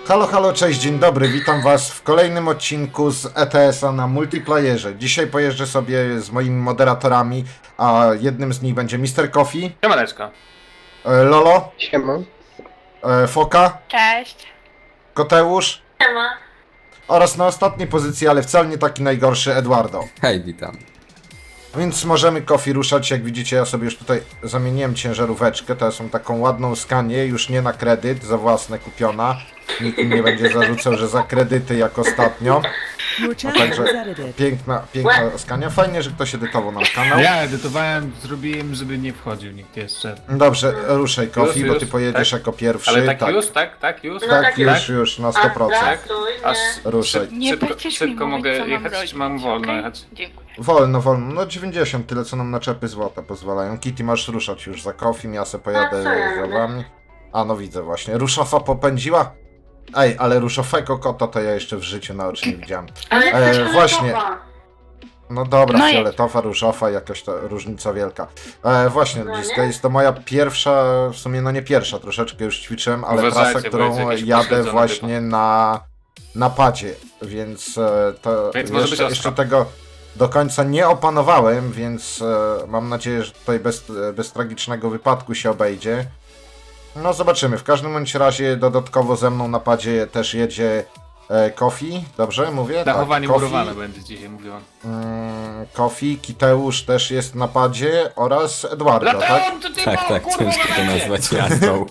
Halo, halo, cześć, dzień dobry, witam was w kolejnym odcinku z ETS-a na multiplayerze. Dzisiaj pojeżdżę sobie z moimi moderatorami, a jednym z nich będzie Mr. Coffee, Siemaneczko. Lolo, Siema. Foka, Cześć. Koteusz Siema. oraz na ostatniej pozycji, ale wcale nie taki najgorszy, Eduardo. Hej, witam. Więc możemy Coffee ruszać, jak widzicie ja sobie już tutaj zamieniłem ciężaróweczkę, to są taką ładną skanię, już nie na kredyt, za własne kupiona. Nikt mi nie będzie zarzucał, że za kredyty jak ostatnio. No także piękna skania. Fajnie, że ktoś edytował nam kanał. Ja edytowałem, zrobiłem, żeby nie wchodził nikt jeszcze. Dobrze, ruszaj Coffee, Już, bo już, ty pojedziesz tak? jako pierwszy. Ale tak już, tak? Tak już? Tak, już, na 100%. Aż Ruszaj. Nie szybko, będziesz mi szybko mówić, mogę co mam jechać, robić, czy mam wolno okej? jechać? Dziękuję. Wolno. No 90, tyle co nam naczepy złota pozwalają. Kitty, masz ruszać już za Coffee, ja se pojadę za wami. A no widzę właśnie. Ruszofa popędziła? Ej, ale ruszofego kota to ja jeszcze w życiu na oczy nie widziałem. Właśnie. No dobra, No fioletowa, różowa, jakoś to różnica wielka. Właśnie, Bliska, jest to moja pierwsza, w sumie no nie pierwsza, troszeczkę już ćwiczyłem, ale Uważajcie, trasa, bo którą jest jakiś jadę pośledzony właśnie na padzie, więc to Więc może być jeszcze ostro. tego do końca nie opanowałem, więc mam nadzieję, że tutaj bez tragicznego wypadku się obejdzie. No zobaczymy, w każdym bądź razie dodatkowo ze mną na padzie też jedzie Coffee, dobrze mówię? Dachowanie Coffee. murowane będzie dzisiaj, mówiłam. Coffee, Kiteusz też jest na padzie oraz Eduardo, tak? Tak, ciężko to nazwać jazdą.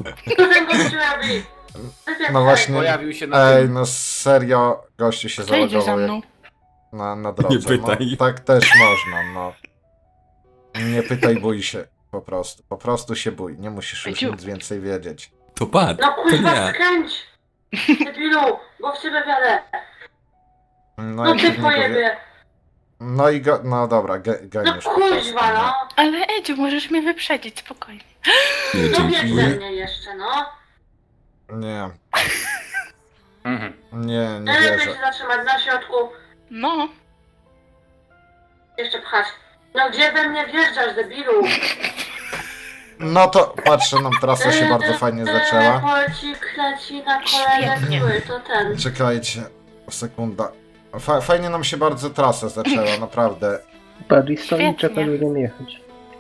No właśnie, Pojawił się na ej, tym. no serio, gościu się Kto jedzie za zalogował mną? na drodze. Nie pytaj. No, tak też można, no. Nie pytaj, bój się, po prostu się bój, nie musisz już Ejciu. nic więcej wiedzieć. To pad, No to kurwa, nie. skręć! Debilu, bo w ciebie wiadę. No, No i ty pewnie go wie- pojebie. no i go, no dobra, No ganiesz po prostu, kurwa, no. Ale Edziu, możesz mnie wyprzedzić, spokojnie. Nie, No wiesz dzięki. ze mnie jeszcze, no. Nie, Mhm. nie Lepiej wierzę. się zatrzymać na środku. No. Jeszcze pchać. No gdzie we mnie wjeżdżasz, debilu? No to patrzę, nam trasa się bardzo fajnie zaczęła. Polcik leci na kolejne Świetnie. zły, to ten. Czekajcie, sekunda. Fajnie nam się bardzo trasa zaczęła, naprawdę. Bardziej stoi i Świetnie. czeka, żeby jechać.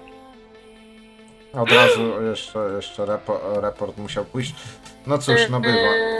Od razu jeszcze report musiał pójść. No cóż, no bywa.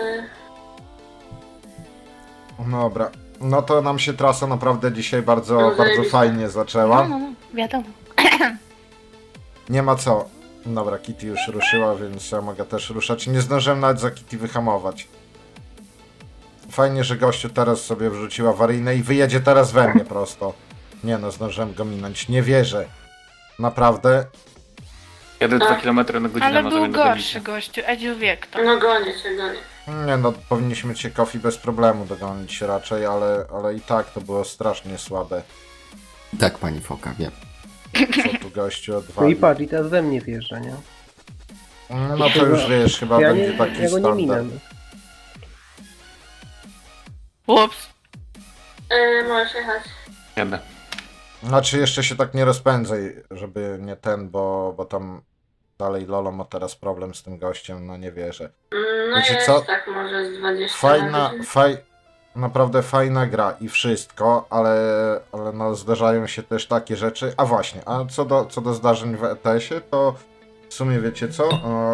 No dobra. No to nam się trasa naprawdę dzisiaj bardzo, No, bardzo zajebiście. fajnie zaczęła. No, wiadomo. Nie ma co. Dobra, Kitty już ruszyła, więc ja mogę też ruszać. Nie zdążyłem nawet za Kitty wyhamować. Fajnie, że gościu teraz sobie wrzucił awaryjne i wyjedzie teraz we mnie prosto. Nie no, zdążyłem go minąć. Nie wierzę. Naprawdę. Jadę 2 km na godzinę, Ale może był będę gorszy gościu, Edziu wie kto. No gonię cię, gonię. Nie no, powinniśmy cię Coffee bez problemu dogonić raczej, ale i tak to było strasznie słabe. Tak, pani Foka, wiem. Co tu gościu No i odwalił. patrz, i teraz we mnie wjeżdża, nie? No to już wiesz, chyba Ja, będzie nie, taki ja go nie minę. standard. Ups. Możesz jechać. Jadę. Znaczy jeszcze się tak nie rozpędzaj, żeby nie ten, bo tam dalej Lolo ma teraz problem z tym gościem, no nie wierzę. No Wiecie jest co? tak może z 20 Fajna, lat. naprawdę fajna gra i wszystko, ale no zdarzają się też takie rzeczy. A właśnie, a co do zdarzeń w ETS-ie, to w sumie wiecie co?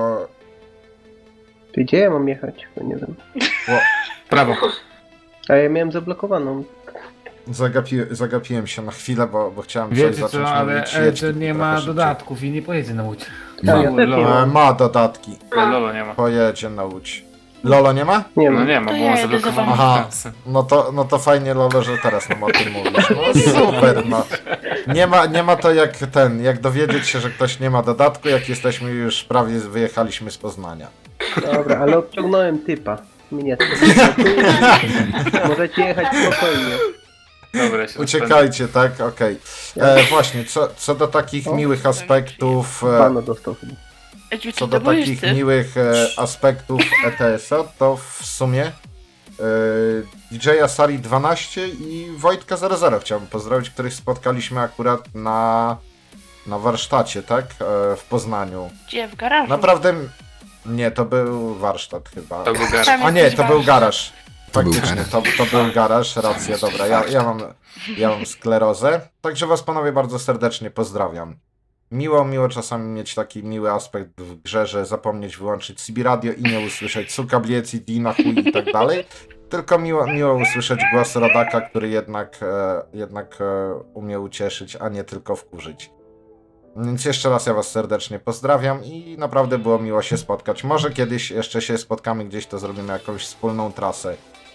Ty gdzie ja mam jechać? Bo nie wiem. Prawo. A ja miałem zablokowaną. Zagapiłem się na chwilę, bo chciałem coś Wiecie zacząć co, ale mówić. Jedź to nie trochę ma szybciej. dodatków i nie pojedzie na łódź. Ja też nie mam. Ma dodatki, Lolo nie ma. pojedzie na łódź. Lolo nie ma? Nie No mam. nie ma, To bo ja on jedę za zablokowany wami. Aha. trasę. No to fajnie Lolo, że teraz nam o tym mówisz. No super, no. Nie ma to jak dowiedzieć się, że ktoś nie ma dodatku, jak jesteśmy już prawie wyjechaliśmy z Poznania. Dobra, ale obciągnąłem typa. Mnie to. Możecie jechać spokojnie. Dobra, ja się Uciekajcie, tak? Okej. Właśnie, co do takich O. miłych aspektów, Pano dostał chyba. Edziu, co ty do to boisz takich ty? miłych aspektów ETS-a, to w sumie DJ-a Sari 12 i Wojtka 00 chciałbym pozdrowić, których spotkaliśmy akurat na warsztacie, tak? W Poznaniu. Gdzie? W garażu? Naprawdę Nie, to był warsztat chyba. To był garaż. Tam A nie, jesteś to był warsztat. garaż. To był Faktycznie, garaż. to był garaż, racja, dobra, ja mam sklerozę. Także was panowie bardzo serdecznie pozdrawiam. Miło czasami mieć taki miły aspekt w grze, że zapomnieć wyłączyć CB radio i nie usłyszeć suka bliec i dina chuj i tak dalej. Tylko miło usłyszeć głos rodaka, który jednak umie ucieszyć, a nie tylko wkurzyć. Więc jeszcze raz ja was serdecznie pozdrawiam i naprawdę było miło się spotkać. Może kiedyś jeszcze się spotkamy gdzieś, to zrobimy jakąś wspólną trasę.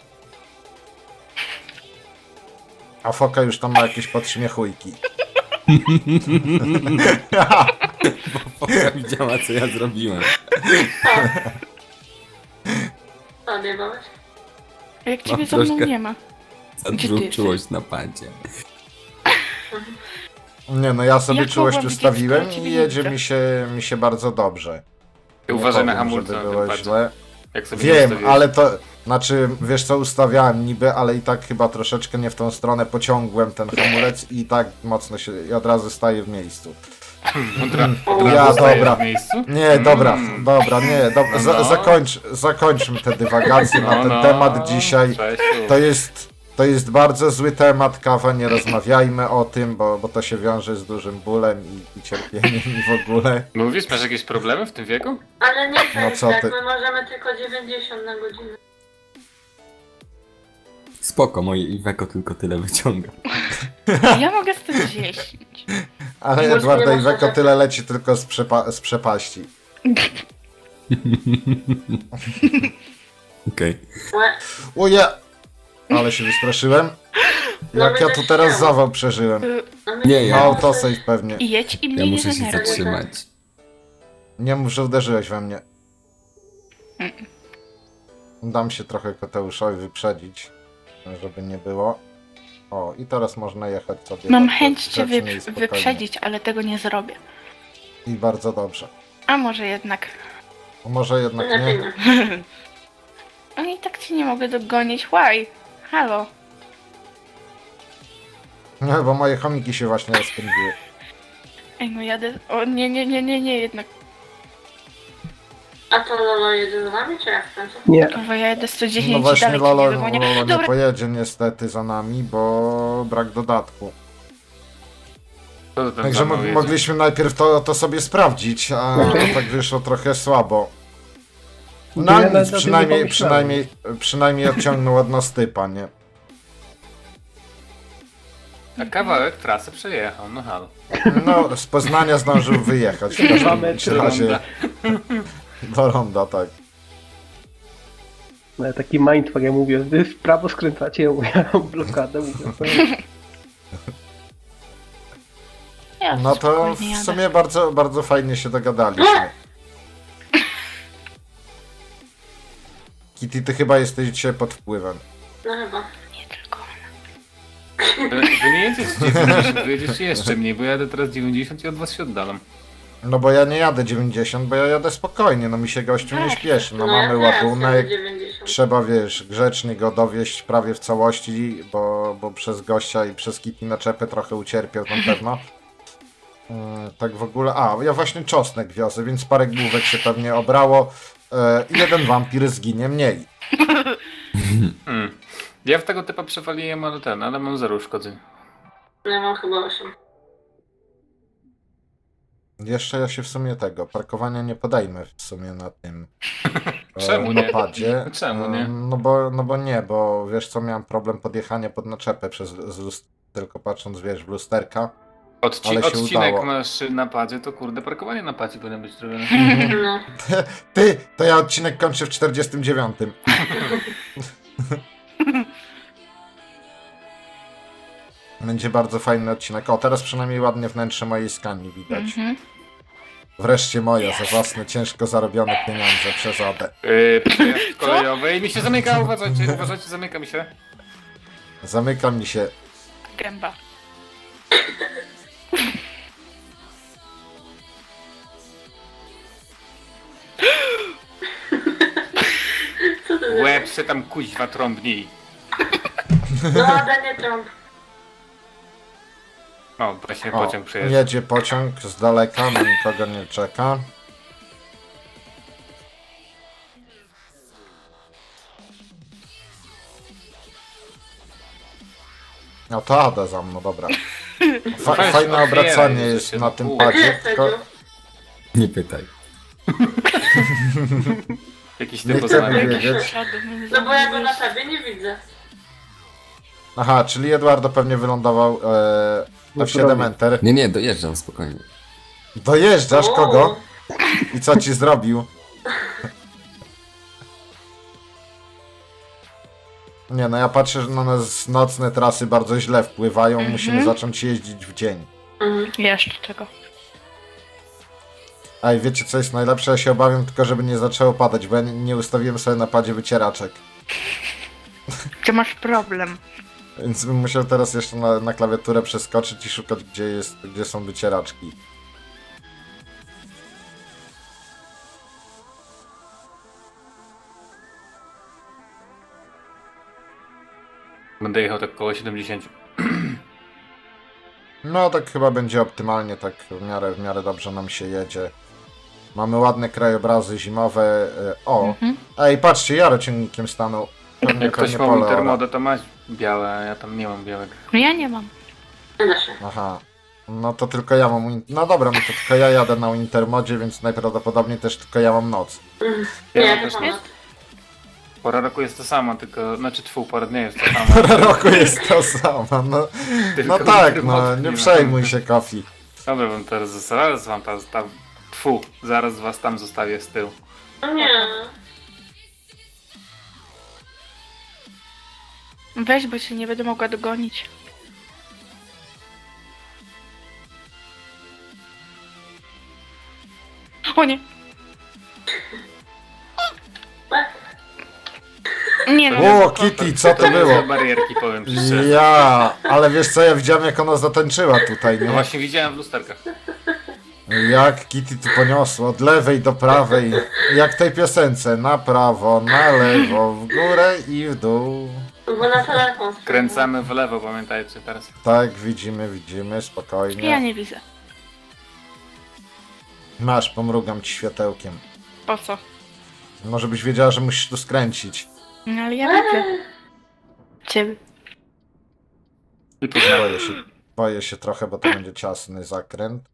A Foka już tam ma jakieś podśmiechujki. Foka widziała, co ja zrobiłem. Co odjebałeś? Jak ciebie Mam za mną troszkę- nie ma. Za Gdzie dużą ty jesteś? czułość na padzie. Nie no, ja sobie Jak czułość mogłam widzieć, ustawiłem skoro ciebie i nie jedzie widzę? mi się bardzo dobrze. Nie Uważaj na powiem, hamulce żeby na było tym padzie. źle. Jak sobie Wiem, ustawiłeś. ale to... Znaczy, wiesz co, ustawiałem niby, ale i tak chyba troszeczkę nie w tą stronę pociągłem ten hamulec i tak mocno się... I od razu staję w miejscu. Ja, Zostajesz dobra. w miejscu? Nie, dobra, nie, dobra, No. zakończmy te dywagacje na ten temat dzisiaj. Czesiu. To jest bardzo zły temat, kawa, nie rozmawiajmy o tym, bo to się wiąże z dużym bólem i cierpieniem i w ogóle. Mówisz, masz jakieś problemy w tym wieku? Ale nie to No jest co tak, ty? my możemy tylko 90 na godzinę. Spoko, moje Iweko tylko tyle wyciąga. Ja mogę 110. Ale Może Edwarda nie i ma Weko szans. tyle leci tylko z przepaści. Okej. Łe. Uje! Ale się wystraszyłem. No Jak ja tu teraz chciał. zawał przeżyłem. No my Nie, Na ja- autosave pewnie. I jedź i Ja mnie nie muszę się denerwuj. zatrzymać. Nie mów, że uderzyłeś we mnie. Dam się trochę Koteuszowi wyprzedzić, żeby nie było. O, i teraz można jechać sobie. Mam tak chęć cię grzecznie i spokojnie. wyprzedzić, ale tego nie zrobię. I bardzo dobrze. A może jednak. Może jednak Lepiej nie. nie. No i tak cię nie mogę dogonić. Why? Halo. Nie, bo moje chomiki się właśnie rozpędziły. Ej, no jadę. O nie, jednak. A to Lolo jedzie z nami, czy jak w końcu? Nie, Bo ja jadę 110 No i właśnie dalej cię Lolo nie dogonię. nie Dobra, pojedzie niestety za nami, bo brak dodatku. Co ty tam Także za mną jedziesz? mogliśmy najpierw to sobie sprawdzić, a tak wyszło trochę słabo. No Ja nic, nawet o tym nie pomyślałem. przynajmniej odciągnął od nas typa, nie? A kawałek trasy przejechał, no halo. No, z Poznania zdążył wyjechać w każdym bądź razie. Do ronda, tak. ale taki mindfuck, ja mówię, wy w prawo skręcacie, ja mam blokadę, mówię. ja No to spokojnie w jadę. sumie bardzo fajnie się dogadaliśmy. Kitty, ty chyba jesteś dzisiaj pod wpływem. No chyba. Nie tylko. Wy nie jedziesz 90, wy jedziesz jeszcze mniej, bo jadę teraz 90 i od was się oddalam. No bo ja nie jadę 90, bo ja jadę spokojnie, no mi się gościu nie śpieszy. No mamy ja teraz ładunek, jadę 90. trzeba, wiesz, grzecznie go dowieść prawie w całości, bo przez gościa i przez Kitty naczepy trochę ucierpiał na pewno. Tak w ogóle, ja właśnie czosnek wiozę, więc parę główek się pewnie obrało i jeden wampir zginie mniej. Ja w tego typa przewaliłem, ale mam 0 uszkodzeń. Ja mam chyba 8. Jeszcze ja się w sumie parkowania nie podejmę w sumie na tym Czemu nie? napadzie. Czemu nie? No bo nie, bo wiesz co, miałem problem podjechania pod naczepę tylko patrząc, wiesz, w lusterka. Ale się Odcinek udało. masz na padzie, to kurde, parkowanie na padzie powinno być zrobione. No. To ja odcinek kończę w 49. Będzie bardzo fajny odcinek. O, teraz przynajmniej ładnie wnętrze mojej skani widać. Mhm. Wreszcie moja, za własne, ciężko zarobione pieniądze przez Adę. Przejazd kolejowy i mi się zamyka, uważajcie, zamyka mi się. Zamyka mi się. Gęba. Co to za... Łeb se tam kuźwa trąbnij. No, Ada nie trąb. O, właśnie O, pociąg przejeżdża. jedzie pociąg z daleka, na nikogo nie czeka. No to Ada za mną, dobra. Weź, Fajne otwieraj, obracanie że jest się na na tym pół. Gdzie padzie, jest tylko Sedziu? Nie pytaj. Jakiś nie typ chcemy poznany. wiedzieć. No bo ja go na tabie nie widzę. Aha, czyli Eduardo pewnie wylądował No F7 prawie. Enter. Nie, dojeżdżam spokojnie. Dojeżdżasz O, kogo? I co ci zrobił? Nie no, ja patrzę, że na nas nocne trasy bardzo źle wpływają, musimy zacząć jeździć w dzień. Jeszcze czego? A i wiecie co jest najlepsze? Ja się obawiam tylko, żeby nie zaczęło padać, bo ja nie ustawiłem sobie na padzie wycieraczek. Ty masz problem. Więc bym musiał teraz jeszcze na klawiaturę przeskoczyć i szukać, gdzie są wycieraczki. Będę jechał tak koło 70. No tak chyba będzie optymalnie, tak w miarę dobrze nam się jedzie. Mamy ładne krajobrazy zimowe. O! Ej, patrzcie, Jaro ciągnikiem stanął. Pewnie, Jak ktoś pewnie ma pole ora. Intermodę, to masz białe, a ja tam nie mam białego. No ja nie mam. Nie da się. Aha. No to tylko ja mam... No dobra, no to tylko ja jadę na Intermodzie, więc najprawdopodobniej też tylko ja mam noc. Ja Nie, mam to też ponad. Pora roku jest to samo, tylko... Znaczy pora dnia jest to samo. Pora roku jest to samo, no. No Tylko tak, Intermodu no, nie nie ma. przejmuj się, Kofi. Dobra, wam teraz zaraz wam tam... Tfu, zaraz was tam zostawię z tyłu. No nie. Weź, bo się nie będę mogła dogonić. O nie. Nie no. O, Kitty, co to nie było? za barierki, powiem ci szczerze. Ja, ale wiesz co, ja widziałem jak ona zatańczyła tutaj, No nie? właśnie widziałem w lusterkach. Jak Kitty tu poniosło, od lewej do prawej, jak w tej piosence, na prawo, na lewo, w górę i w dół. Bo na telefon. Kręcamy w lewo, pamiętajcie teraz. Tak, widzimy, Ja spokojnie. nie widzę. Masz, pomrugam ci światełkiem. Po co? Może byś wiedziała, że musisz tu skręcić. No ale ja widzę. Ciebie. I poznałem. Boję się trochę, bo to będzie ciasny zakręt.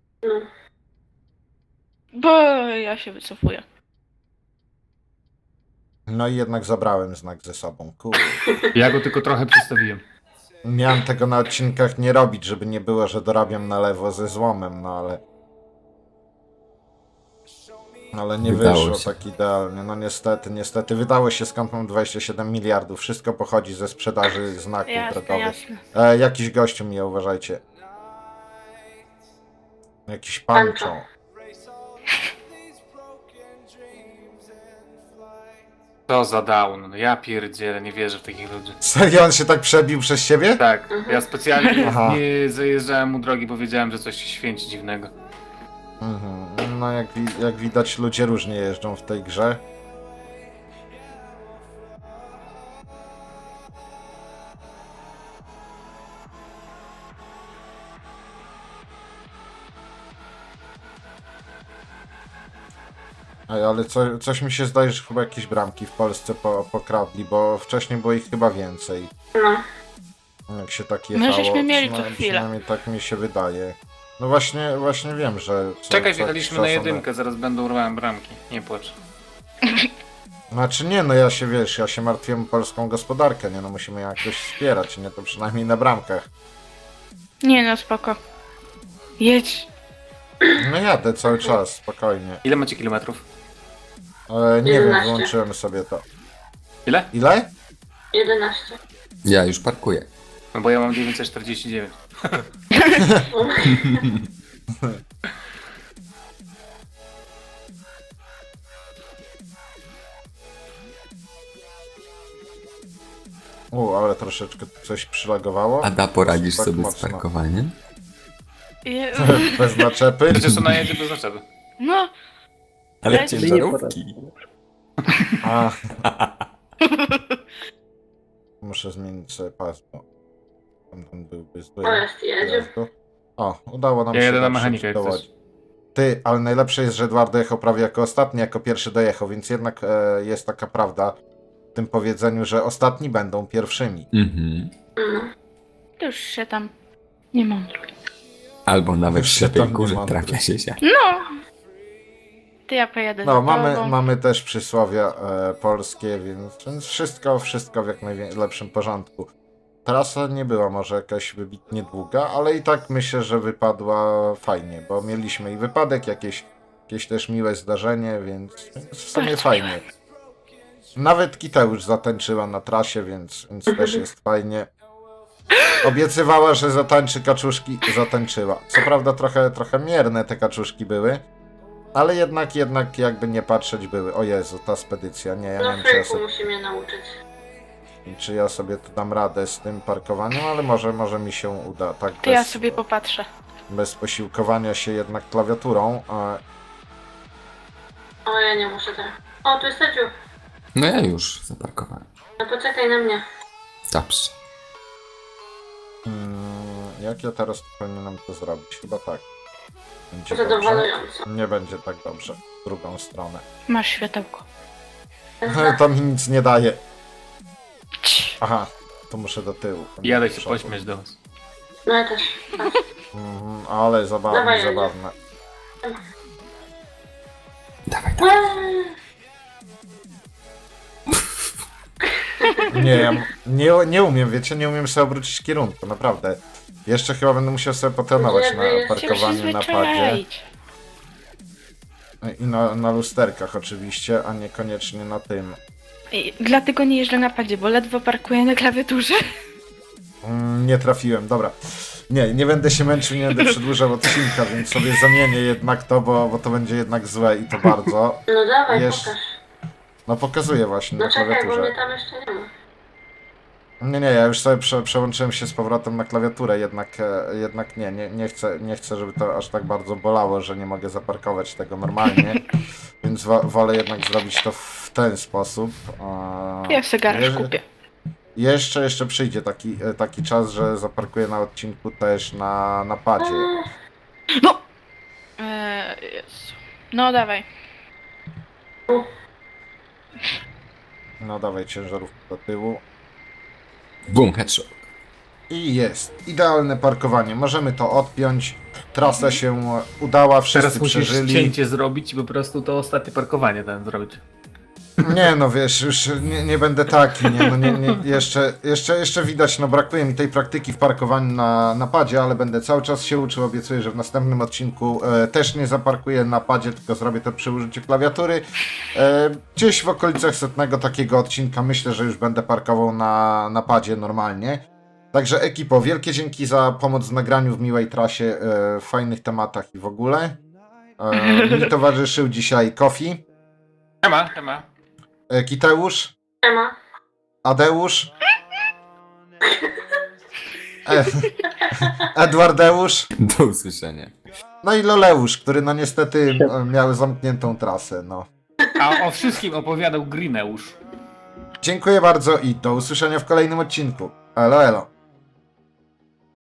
Bo ja się wycofuję. No i jednak zabrałem znak ze sobą, kurde. Ja go tylko trochę przestawiłem. Miałem tego na odcinkach nie robić, żeby nie było, że dorabiam na lewo ze złomem, no ale... Ale nie Wydało wyszło się. tak idealnie. No niestety. Wydało się, skąd mam 27 miliardów. Wszystko pochodzi ze sprzedaży znaków Jasne, drogowych. jasne. Jakiś gościu mnie, uważajcie. Jakiś pancho. To za down. No ja pierdzielę, nie wierzę w takich ludzi. Serio, on się tak przebił przez siebie? Tak, ja specjalnie Aha. nie zajeżdżałem mu drogi, bo wiedziałem, że coś się święci dziwnego. Mhm. No jak widać, ludzie różnie jeżdżą w tej grze. Ej, ale coś mi się zdaje, że chyba jakieś bramki w Polsce pokradli, bo wcześniej było ich chyba więcej. No. Jak się tak My jechało. żeśmy mieli to chwilę. Przynajmniej tak mi się wydaje. No właśnie wiem, że... Czekaj, co wjechaliśmy jakiś na czas one- jedynkę, zaraz będą urwałem bramki. Nie płacz. Znaczy nie, no ja się martwiłem o polską gospodarkę, nie no, musimy ją jakoś wspierać, nie, to przynajmniej na bramkach. Nie no, spoko. Jedź. No jadę cały czas, spokojnie. Ile macie kilometrów? Nie wiem, 11. wyłączyłem sobie to. Ile? Ile? 11. Ja już parkuję. No bo ja mam 949. Ale troszeczkę coś przylagowało. Ada, poradzisz Tak sobie z mocno. parkowaniem? Je... Bez naczepy. Przecież ona jedzie bez zaczepy. No, Ale Ja ci Nie ciężarówki. A. Muszę zmienić sobie pas, bo tamten byłby zły. O, jest, jedzie. O, udało nam Ja się jedę na dotrzeć mechanikę, jak do coś. Łodzi. Ty, ale najlepsze jest, że Eduardo jechał prawie jako ostatni, jako pierwszy dojechał, więc jednak jest taka prawda w tym powiedzeniu, że ostatni będą pierwszymi. Mhm. No. To już się tam nie mądruj. Albo nawet w Już się ślepej tam nie kurze mądruj. trafia się. No! To ja pojadę No, za tobą. mamy też przysłowia polskie, więc wszystko w jak najlepszym porządku. Trasa nie była może jakaś wybitnie długa, ale i tak myślę, że wypadła fajnie, bo mieliśmy i wypadek, jakieś też miłe zdarzenie, więc w sumie Bardzo fajnie. Nawet Kiteusz zatańczyła na trasie, więc też jest fajnie. Obiecywała, że zatańczy kaczuszki, zatańczyła. Co prawda trochę mierne te kaczuszki były, ale jednak jakby nie patrzeć były. O Jezu, ta spedycja, nie, ja nie No wiem, czy ja, Freaku musi mnie nauczyć. czy ja sobie tu dam radę z tym parkowaniem, ale może mi się uda, tak To ja sobie popatrzę. bez posiłkowania się jednak klawiaturą. O, ja nie muszę teraz. O, tu jest Edziu. No ja już zaparkowałem. No poczekaj na mnie. Dobrze. Jak ja teraz powinienem to zrobić? Chyba tak. Będzie dobrze. Zadowalająco. Nie będzie tak dobrze. W drugą stronę. Masz światełko. To mi nic nie daje. Cii. Aha, to muszę do tyłu. Jadę Do się przodu. pośmiać do was. No ja też. Patrz. Ale zabawne, Dawaj, Ania. zabawne. Dawaj, dawaj. Eee, Nie, ja nie umiem, wiecie, nie umiem sobie obrócić kierunku, naprawdę. Jeszcze chyba będę musiał sobie potrenować Żeby na się Się parkowaniu na padzie. przyzwyczaić. I na lusterkach oczywiście, a niekoniecznie na tym. I dlatego nie jeżdżę na padzie, bo ledwo parkuję na klawiaturze. Nie trafiłem, dobra. Nie będę się męczył, nie będę przedłużał odcinka, więc sobie zamienię jednak to, bo to będzie jednak złe i to bardzo. No dawaj, Jesz- pokaż. No pokazuję właśnie No na czekaj, bo klawiaturze. mnie tam jeszcze nie ma. Nie, ja już sobie przełączyłem się z powrotem na klawiaturę, jednak nie chcę, żeby to aż tak bardzo bolało, że nie mogę zaparkować tego normalnie, więc wolę jednak zrobić to w ten sposób. Ja sobie garaż Jeże- kupię. Jeszcze przyjdzie taki czas, że zaparkuję na odcinku też na padzie. No! Jezu. No dawaj. No dawaj ciężarówkę do tyłu. Boom, headshot. I jest. Idealne parkowanie. Możemy to odpiąć. Trasa się udała, wszyscy Teraz musisz przeżyli. cięcie zrobić i po prostu to ostatnie parkowanie ten zrobić. Nie no wiesz, już nie będę taki, jeszcze widać, no brakuje mi tej praktyki w parkowaniu na padzie, ale będę cały czas się uczył, obiecuję, że w następnym odcinku też nie zaparkuję na padzie, tylko zrobię to przy użyciu klawiatury. Gdzieś w okolicach 100 takiego odcinka myślę, że już będę parkował na padzie normalnie. Także ekipo, wielkie dzięki za pomoc w nagraniu w miłej trasie, w fajnych tematach i w ogóle. Mi towarzyszył dzisiaj Kofi, Ema. Kiteusz, Ema. Adeusz, Edwardeusz, Do usłyszenia. no i Loleusz, który no niestety miał zamkniętą trasę. No. A o wszystkim opowiadał Greeneusz. Dziękuję bardzo i do usłyszenia w kolejnym odcinku. Elo, elo.